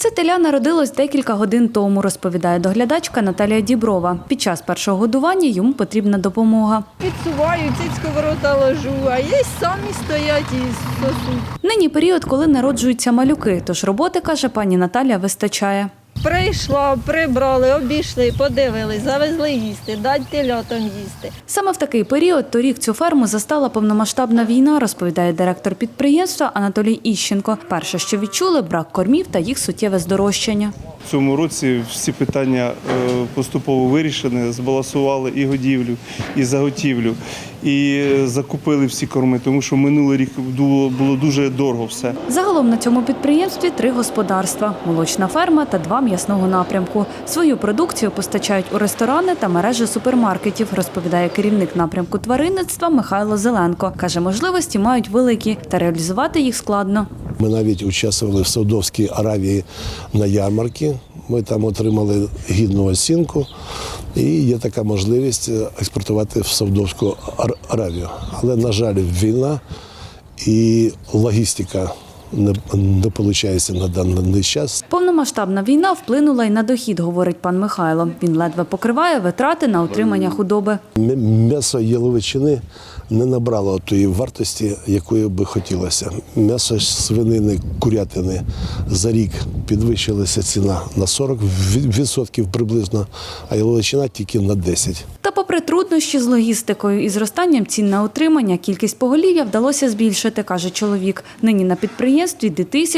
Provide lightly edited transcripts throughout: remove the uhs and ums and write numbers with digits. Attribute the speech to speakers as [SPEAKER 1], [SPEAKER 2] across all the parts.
[SPEAKER 1] Це теля народилось декілька годин тому, розповідає доглядачка Наталія Діброва. Під час першого годування йому потрібна допомога.
[SPEAKER 2] Підсуваю, цицьку в рота ложу, а є самі стоять і сосуть.
[SPEAKER 1] Нині період, коли народжуються малюки, тож роботи, каже пані Наталя, вистачає.
[SPEAKER 2] Прийшла, прибрали, обійшли, подивились, завезли їсти, дать телятам їсти.
[SPEAKER 1] Саме в такий період торік цю ферму застала повномасштабна війна, розповідає директор підприємства Анатолій Іщенко. Перше, що відчули – брак кормів та їх суттєве здорожчання.
[SPEAKER 3] В цьому році всі питання поступово вирішені, збалансували і годівлю, і заготівлю, і закупили всі корми, тому що минулий рік було дуже дорого все.
[SPEAKER 1] Загалом на цьому підприємстві 3 господарства – молочна ферма та 2 м'ясного напрямку. Свою продукцію постачають у ресторани та мережі супермаркетів, розповідає керівник напрямку тваринництва Михайло Зеленко. Каже, можливості мають великі, та реалізувати їх складно.
[SPEAKER 4] Ми навіть участвували в Саудовській Аравії на ярмарці. Ми там отримали гідну оцінку і є така можливість експортувати в Саудовську Аравію. Але, на жаль, війна і логістика не виходить на даний час.
[SPEAKER 1] Повномасштабна війна вплинула й на дохід, говорить пан Михайло. Він ледве покриває витрати на утримання худоби.
[SPEAKER 4] М'ясо яловичини не набрало тої вартості, якої би хотілося. М'ясо свинини, курятини за рік підвищилася ціна на 40% приблизно, а яловичина тільки на 10%.
[SPEAKER 1] Та попри труднощі з логістикою і зростанням цін на утримання, кількість поголів'я вдалося збільшити, каже чоловік. Нині на підприємстві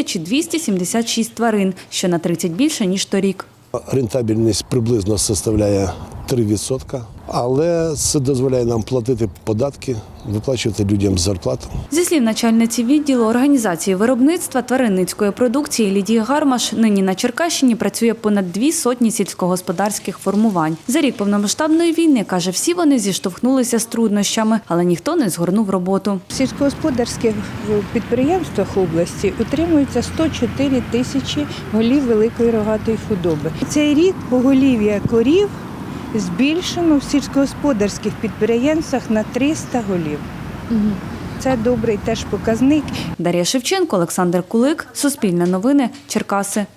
[SPEAKER 1] 2276 тварин, що на 30 більше, ніж торік.
[SPEAKER 4] Рентабельність приблизно составляє 3%, але це дозволяє нам платити податки, виплачувати людям зарплату.
[SPEAKER 1] Зі слів начальниці відділу організації виробництва тваринницької продукції Лідії Гармаш, нині на Черкащині працює понад 200 сільськогосподарських формувань. За рік повномасштабної війни, каже, всі вони зіштовхнулися з труднощами, але ніхто не згорнув роботу.
[SPEAKER 5] В сільськогосподарських підприємствах області утримується 104 тисячі голів великої рогатої худоби. Цей рік поголів'я корів збільшено в сільськогосподарських підприємствах на 300 голів. Це добрий теж показник.
[SPEAKER 1] Дар'я Шевченко, Олександр Кулик, Суспільне новини, Черкаси.